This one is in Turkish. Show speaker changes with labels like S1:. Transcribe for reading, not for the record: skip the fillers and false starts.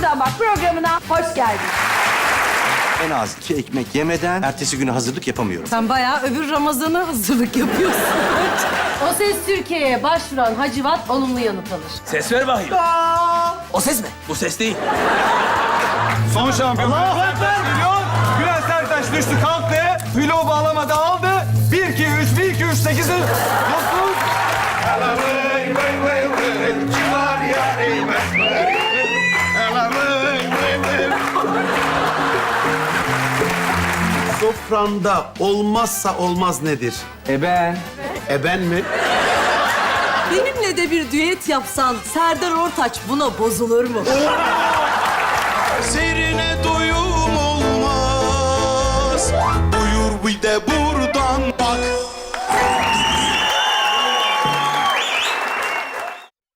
S1: Bir Damak programına hoş geldin.
S2: En az 2 ekmek yemeden ertesi güne hazırlık yapamıyorum.
S3: Sen bayağı öbür Ramazan'a hazırlık yapıyorsun.
S4: O Ses Türkiye'ye başvuran Hacivat olumlu yanıt alır.
S5: Ses ver bakayım.
S6: O ses mi?
S5: Bu ses değil.
S7: Son şampiyon. Milyon. Bülent Sertaç düştü kalktı. Bloğu bağlamadı aldı. 1, 2, 3, 1, 2, 3, 8, 9.
S8: Sofranda olmazsa olmaz nedir?
S7: Ben.
S8: Ben mi?
S3: Benimle de bir düet yapsan Serdar Ortaç buna bozulur mu?
S9: Seyrine doyum olmaz. Buyur bir de bu